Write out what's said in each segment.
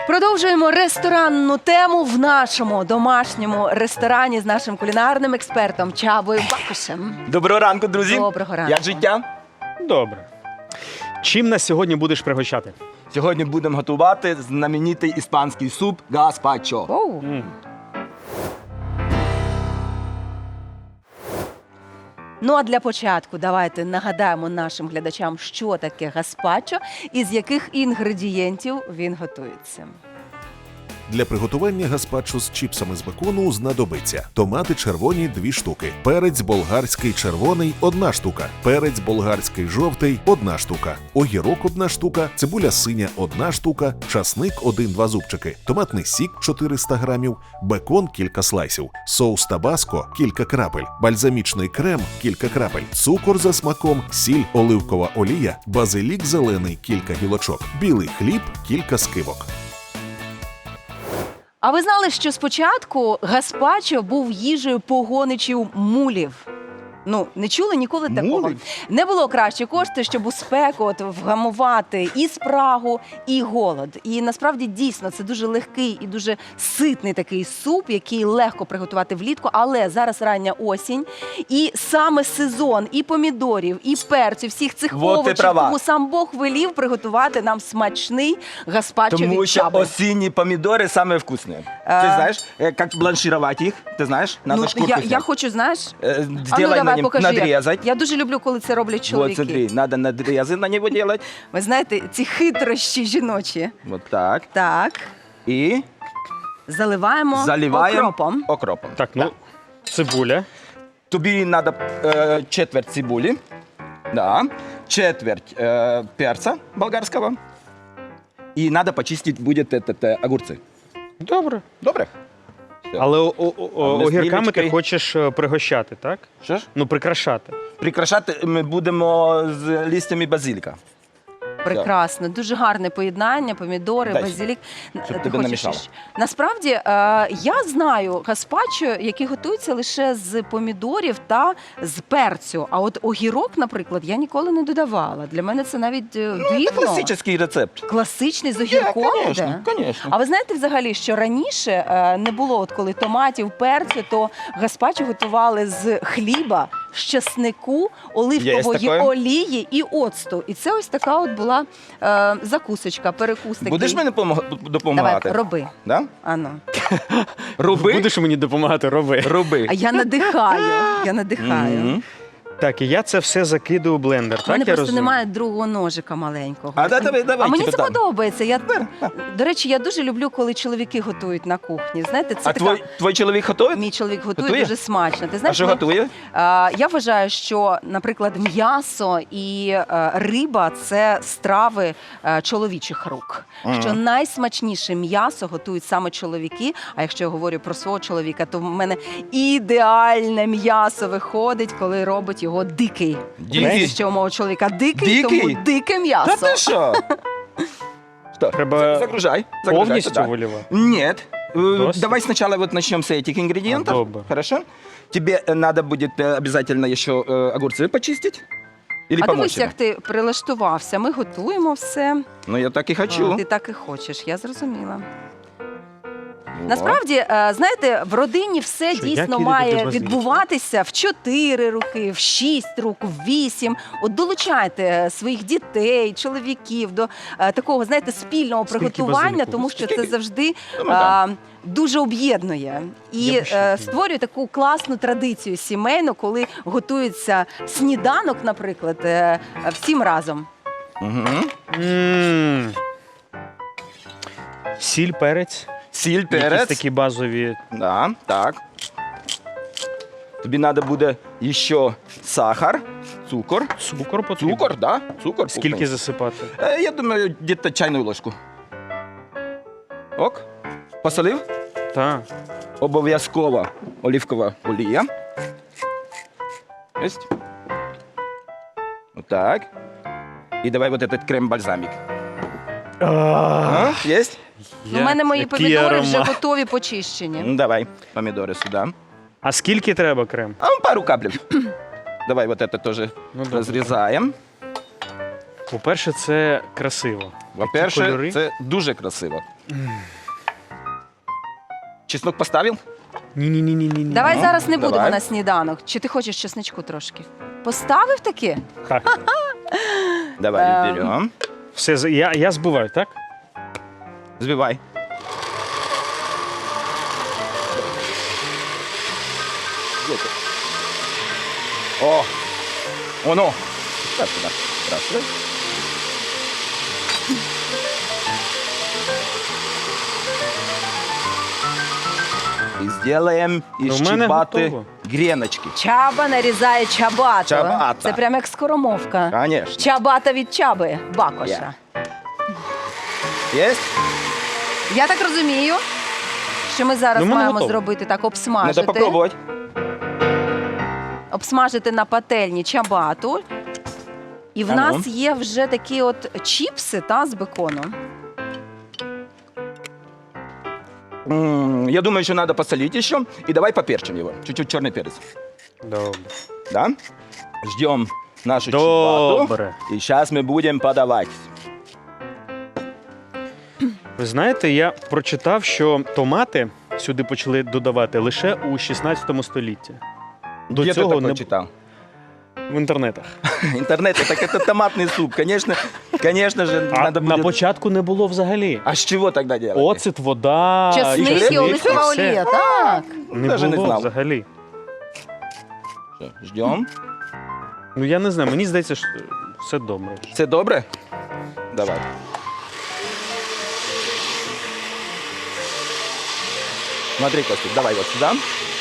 Продовжуємо ресторанну тему в нашому домашньому ресторані з нашим кулінарним експертом Чабою Бакушем. Доброго ранку, друзі. Доброго ранку. Як життя? Добре. Чим нас сьогодні будеш пригощати? Сьогодні будемо готувати знаменитий іспанський суп гаспачо. Оу. Ну а для початку давайте нагадаємо нашим глядачам, що таке гаспачо і з яких інгредієнтів він готується. Для приготування гаспачо з чіпсами з бекону знадобиться томати червоні 2 штуки, перець болгарський червоний 1 штука, перець болгарський жовтий 1 штука, огірок 1 штука, цибуля синя 1 штука, часник 1-2 зубчики, томатний сік 400 грамів, бекон кілька слайсів, соус табаско кілька крапель, бальзамічний крем кілька крапель, цукор за смаком, сіль, оливкова олія, базилік зелений кілька гілочок, білий хліб кілька скибок. А ви знали, що спочатку гаспачо був їжею погоничів мулів? Ну, не чули ніколи такого? Мулів? Не було кращої кошти, щоб у спеку вгамувати і спрагу, і голод. І насправді дійсно це дуже легкий і дуже ситний такий суп, який легко приготувати влітку, але зараз рання осінь, і саме сезон і помідорів, і перцю, всіх цих Вот ти овочів, права. тому сам Бог велів приготувати нам смачний гаспачо Тому від що Чаби. осінні помідори самі вкусні. Ти знаєш, як бланширувати їх? Ти знаєш? Надо Ну, шкурку я зняти. хочу, знаєш, Сделай на нем, покажи, як. надрезать. Я дуже люблю, коли це роблять Вот, чоловіки. смотри, надо надрезы на него делать. Ви знаєте, ці хитрощі жіночі. Вот так. Так, І заливаємо заливаємо окропом. окропом. Так, ну, цибуля. Тобі треба четверть цибулі, да, четверть перця болгарського. І треба почистити буде огурці. Добре. Добре? Але ми з огірками ти Лілечкою- хочеш пригощати, так? Що ж? Ну, прикрашати. Прикрашати ми будемо з листями базиліка. Прекрасно, дуже гарне поєднання, помідори, Дай, базилік. щоб Ти тебе хочеш намішало. ще? Насправді, я знаю гаспачо, який готується лише з помідорів та з перцю. А от огірок, наприклад, я ніколи не додавала. Для мене це навіть Це дивно. класичний рецепт. Класичний з огірком Конечно, іде? конечно. А ви знаєте взагалі, що раніше не було, от коли томатів, перцю, то гаспачо готували з хліба, з часнику, оливкової таке. олії і оцту. І це ось така от була закусочка, перекус такий. Будеш мені Давай, допомагати? роби. Да? Ану. Роби? Будеш мені допомагати, роби. Роби. А я надихаю. Я надихаю. Мгм. Так, і я це все закидаю у блендер, У мене так я просто розумію? немає другого ножика маленького. А давай, А мені типу це там. подобається. До речі, я дуже люблю, коли чоловіки готують на кухні. Знаєте, це А така... твій чоловік готує? Мій чоловік готує, Готує? дуже смачно. Ти А знаєш, що готує? Я вважаю, що, наприклад, м'ясо і риба – це страви чоловічих рук. Що найсмачніше м'ясо готують саме чоловіки. А якщо я говорю про свого чоловіка, то в мене ідеальне м'ясо виходить, коли робить його дикий. Дикий? Знаєте, що у мого чоловіка дикий, Дикий? тому дике Та м'ясо. ти що? Що? Треба Загружай. Повністю туда. виливати? Нет. Досить? Давай сначала вот начнем с этих ингредиентов. Добре. Хорошо? Тебе надо будет обязательно еще огурцы почистить. Или А помочь дивись, тебе? як ти прилаштувався. Ми готуємо все. Ну, я так и хочу. Ти так і хочеш, я зрозуміла. Вот. Насправді, знаєте, в родині все Що, дійсно як їде має туди базилік? відбуватися в 4 роки, в 6 рук, в 8. От долучайте своїх дітей, чоловіків до такого, знаєте, спільного Скільки приготування, базиліку? тому що це Скільки? завжди Ну, дуже об'єднує. І Я б ще створює таку класну традицію сімейну, коли готується сніданок, наприклад, всім разом. Мгм. М. Сіль, перець. Сіль, Якісь перець. такі базові. Да, так. Тобі треба буде ще сахар, цукор. Цукор потрібен. Цукор, да? Цукор. Скільки крупний. засипати? Я думаю, где-то чайну ложку. Ок. Посолив? Так. Обов'язково оливкова олія. Есть? Вот так. И давай вот этот крем-бальзамик. А, есть? У мене мої Який помідори вже аромат. готові, почищені. Ну, давай помидоры сюда. А скільки треба крем? А пару капель. Давай вот это тоже Ну, добре. разрезаем. По-перше, це красиво. Такі По-перше, кольори. це дуже красиво. Чеснок поставил? Ні. Давай Ну, зараз не будемо давай. на сніданок. Чи ти хочеш чесничку трошки? Поставив таки? Так. Давай берем. Все, я збиваю, так? Взбивай. Где ты? О! Оно! Так, туда. Раз. И сделаем из У мене чебаты готово. греночки. Чаба нарізає чабату. Чабата. Це прям як скоромовка. Конечно. Чабата від чаби, Бакоша. Есть? Я так розумію, що ми зараз Ну, в мене маємо готово. зробити так, Надо обсмажити. попробовать. Обсмажити на пательні чабату. І в А ну. нас є вже такі от чіпси з беконом. Я думаю, что надо посолить еще. И давай поперчим его. Чуть-чуть черный перец. Добре. Да? Ждем нашу чебату. Добре. И сейчас мы будем подавать. Ви знаєте, я прочитав, що томати сюди почали додавати лише у 16 столітті. До Где ты цього такое не читал? в інтернетах. Интернет, так это томатный суп. Конечно же, А надо на будет... початку не було взагалі. А с чего тогда делать? Оцет, вода, Чесник і оливкова все. олія, так. Не Даже не було знав. взагалі. Ждем. Ну я не знаю, мені здається, що все добре. Все добре? Давай. Смотри, Костик, давай вот сюда.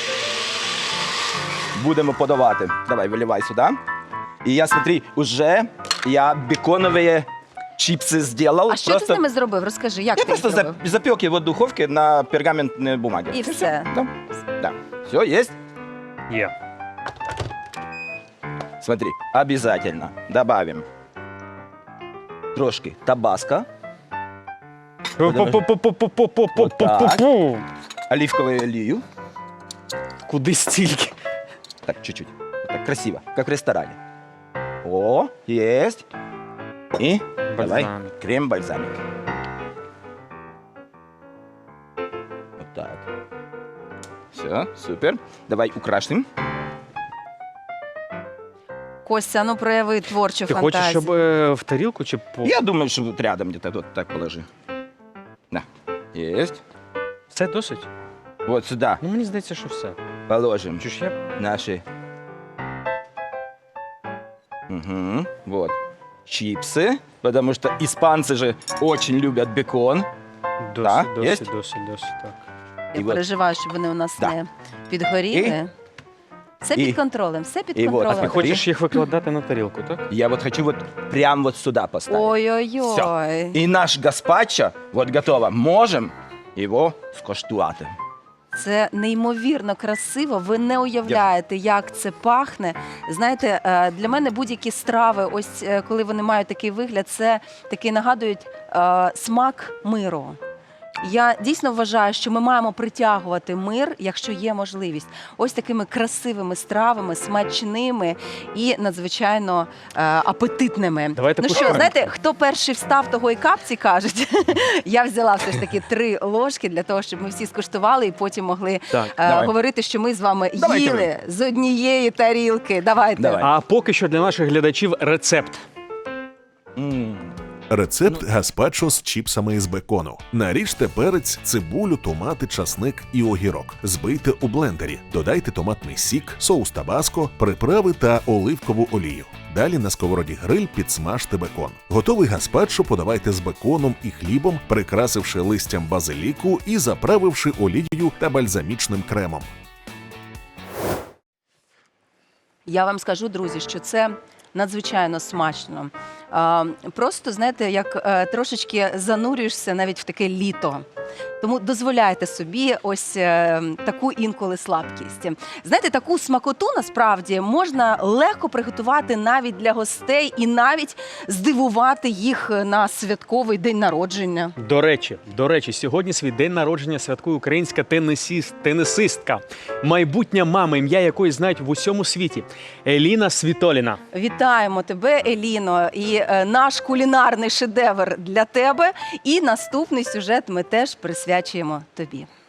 Будемо подавати. Давай, виливай сюда. И я, смотри, уже я беконовые чипсы сделал. А що ти з ними зробив? Розкажи, як Я ти їх просто зробив? запек его в духовке на пергаментной бумаге. І все. Да. Да. Все, есть? Є. Смотри, обязательно добавим трошки табаско, Пу-пу-пу-пу-пу-пу-пу-пу-пу-пу. оливковую олію. Куди стільки? Так, чуть-чуть. Вот так красиво, как в ресторане. О, есть. И давай Бальзамик. крем-бальзамик. Вот так. Все, супер. Давай украшим. Костя, ну прояви творчу Ти фантазію. хочеш, щоб в тарілку чи по... Я думаю, что вот рядом где-то вот так положи. Да, есть. Це досить? Вот сюда Ну мені здається, що все. положим Чи ж я... наши вот чипсы, потому что испанцы же очень любят бекон. Досить, єсть? досить, так. Я І от- переживаю, щоб вони у нас Да. не підгоріли. Все І- під контролем, все під і от, контролем. Ти хочеш їх викладати на тарілку, так? Я вот хочу вот прям вот сюда поставить. Ой-ой-ой. И наш гаспачо вот готово. Можем его скоштувати. Це неймовірно красиво. Ви не уявляєте, як це пахне. Знаєте, для мене будь-які страви, ось коли вони мають такий вигляд, це такий нагадують смак миру. Я дійсно вважаю, що ми маємо притягувати мир, якщо є можливість, ось такими красивими стравами, смачними і надзвичайно апетитними. Давайте Ну що, куштуємо. знаєте, хто перший встав, того і капці кажуть. Я взяла все ж таки 3 ложки для того, щоб ми всі скуштували і потім могли Так, давай. говорити, що ми з вами Давайте їли з однієї тарілки. Давайте. Давай. А поки що для наших глядачів рецепт. Рецепт гаспачо з чіпсами із бекону. Наріжте перець, цибулю, томати, часник і огірок. Збийте у блендері. Додайте томатний сік, соус табаско, приправи та оливкову олію. Далі на сковороді гриль підсмажте бекон. Готовий гаспачо подавайте з беконом і хлібом, прикрасивши листям базиліку і заправивши олією та бальзамічним кремом. Я вам скажу, друзі, що це надзвичайно смачно. Просто, знаєте, як трошечки занурюєшся навіть в таке літо. Тому дозволяйте собі ось таку інколи слабкість. Знаєте, таку смакоту насправді можна легко приготувати навіть для гостей і навіть здивувати їх на святковий день народження. До речі, сьогодні свій день народження святкує українська тенісистка, майбутня мама, ім'я якої знають в усьому світі – Еліна Світоліна. Вітаємо тебе, Еліно, і наш кулінарний шедевр для тебе. І наступний сюжет ми теж присвячуємо тобі.